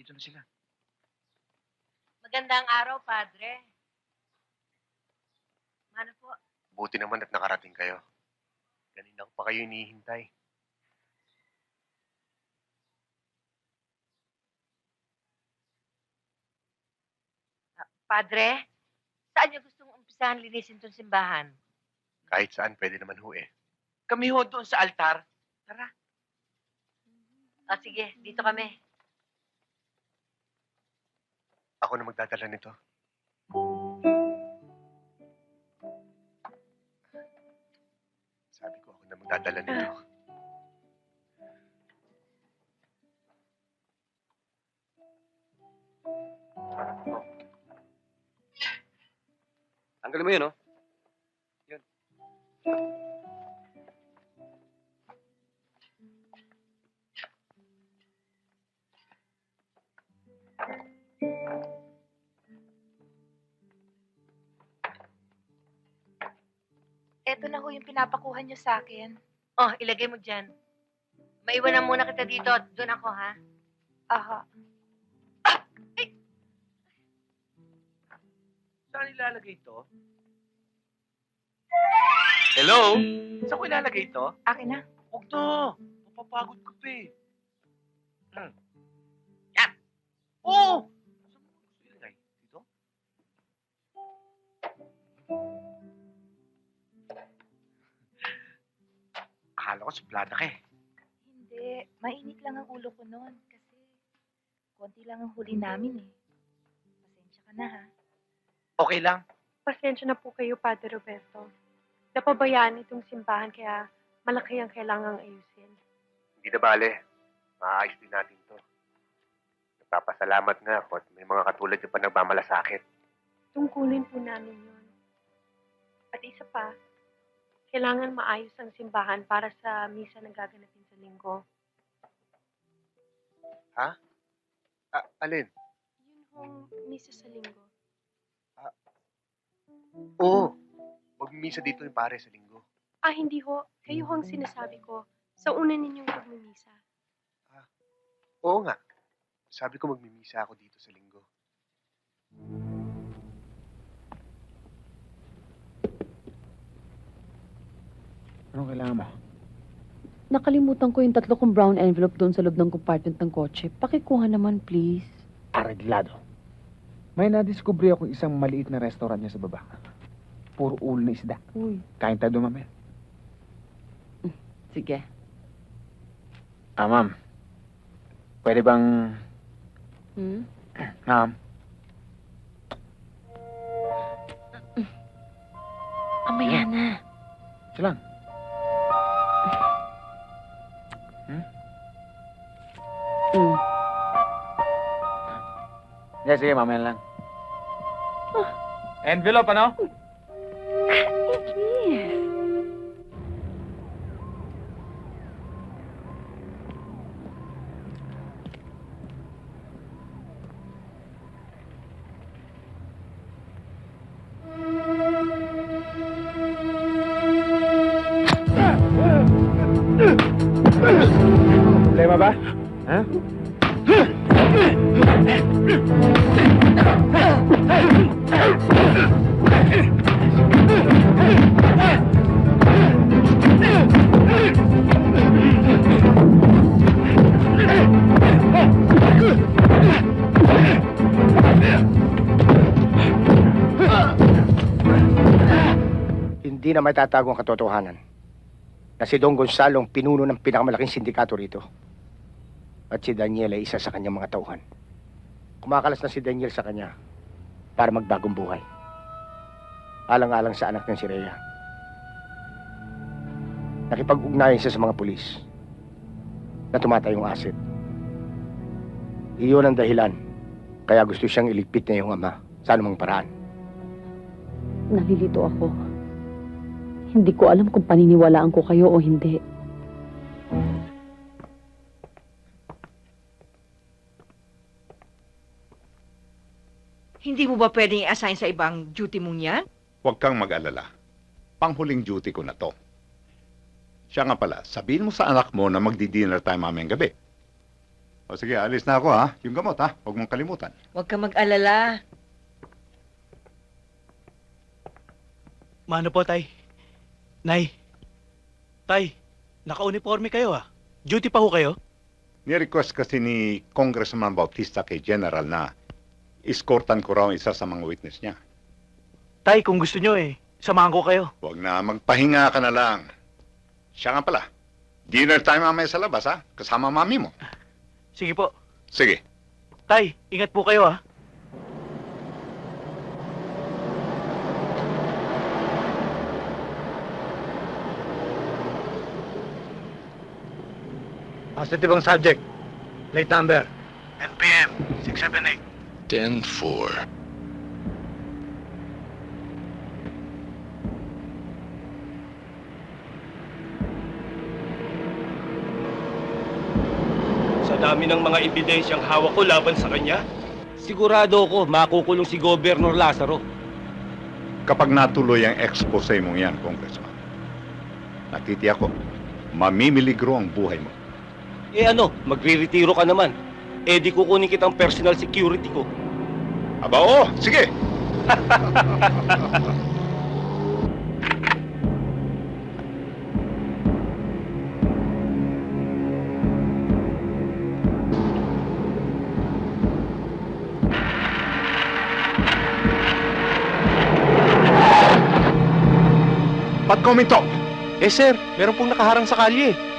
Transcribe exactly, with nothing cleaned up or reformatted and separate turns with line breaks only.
Dito na sila.
Magandang araw, Padre. Ano po?
Buti naman at nakarating kayo. Kanina ko pa kayo hinihintay.
Padre, saan niyo gustong umpisahan linisin tong simbahan?
Kahit saan, pwede naman ho eh.
Kami ho doon sa altar. Tara.
Ah, sige, dito kami.
Ako na magdadala nito. Sabi ko, ako na magdadala nito.
Tanggalin mo yun, oh. Yun.
Eto na ho yung pinapakuha niyo sa akin.
Oh, ilagay mo dyan. Maiwanan muna kita dito at doon ako, ha?
Aha.
Saan ilalagay ito?
Hello?
Saan ko ilalagay ito?
Akin na.
Huwag to. Mapapagod ka pa eh. Hmm. Yan. Oo! Saan mo gusto ilagay? Dito? Akala ko suplada ka eh.
Hindi. Mainit lang ang ulo ko noon. Kasi konti lang ang huli namin eh. Pasensya ka na ha.
Okay lang.
Pasensya na po kayo, Padre Roberto. Napabayaan itong simbahan kaya malaki ang kailangang ayusin.
Hindi na bale. Maayos din natin to. Nagpapasalamat nga ako at may mga katulad yung pa nagmamalasakit.
Tungkulin po namin yun. At isa pa, kailangan maayos ang simbahan para sa misa na gaganapin sa linggo.
Ah, alin?
Yun hong misa sa linggo.
Oo. Magmimisa dito yung pare sa linggo.
Ah, hindi ho. Kayo ho ang sinasabi ko. Sa una ninyong pagmimisa.
Oo nga. Sabi ko magmimisa ako dito sa linggo.
Anong kailangan mo?
Nakalimutan ko yung tatlo kong brown envelope doon sa loob ng compartment ng kotse. Pakikuha naman, please.
Areglado. May nadiskubre akong isang maliit na restaurant niya sa baba. Puro ulo na isda.
Uy.
Kain tayo doon, mamaya.
Sige.
Ah, ma'am. Pwede bang...
Hmm?
Ma'am.
Amaya na.
Ito lang.
Hmm.
Sige, sige, mamaya lang. Envelope, ano?
Yes.
Problema ba? Ha?
Hindi na matatago ang katotohanan na si Don Gonzalo ang pinuno ng pinakamalaking sindikato rito. At si Daniel ay isa sa kanyang mga tauhan. Kumakalas na si Daniel sa kanya para magbagong buhay. Alang-alang sa anak ng si Rhea. Nakipag-ugnayan siya sa mga pulis na tumatayong asset. Iyon ang dahilan kaya gusto siyang iligpit na yung ama sa anumang paraan.
Nalilito ako. Hindi ko alam kung paniniwalaan ko kayo o hindi.
Hindi mo ba pwedeng i-assign sa ibang duty mong yan?
Huwag kang mag-alala. Panghuling duty ko na to. Siya nga pala, sabihin mo sa anak mo na magdi-dinner tayo mamayang gabi. O sige, alis na ako ha. Yung gamot ha, huwag mong kalimutan.
Huwag ka mag-alala.
Mano po, Tay? Nay? Tay, naka-uniforme kayo ah. Duty pa ho kayo?
Ni-request kasi ni Congressman Bautista kay General na escortan ko raw ang isa sa mga witness niya.
Tay, kung gusto nyo eh, samahan ko kayo.
Huwag na, magpahinga ka na lang. Siya nga pala. Dinner time mamaya sa labas ha, kasama mami mo.
Sige po.
Sige.
Tay, ingat po kayo ah.
Positive ang subject. Plate number.
N P M, six seven eight.
ten four.
Sa dami ng mga ebidensyang hawak ko laban sa kanya, sigurado ko makukulong si Governor Lazaro.
Kapag natuloy ang expose mong yan, Congressman, nakitiyak ko, mamimiligro ang buhay mo.
Eh ano, magre-retiro ka naman. Eh di kukunin kitang personal security ko.
Aba oo, sige. Ba't kuminto?
Eh sir, meron pong nakaharang sa kalye.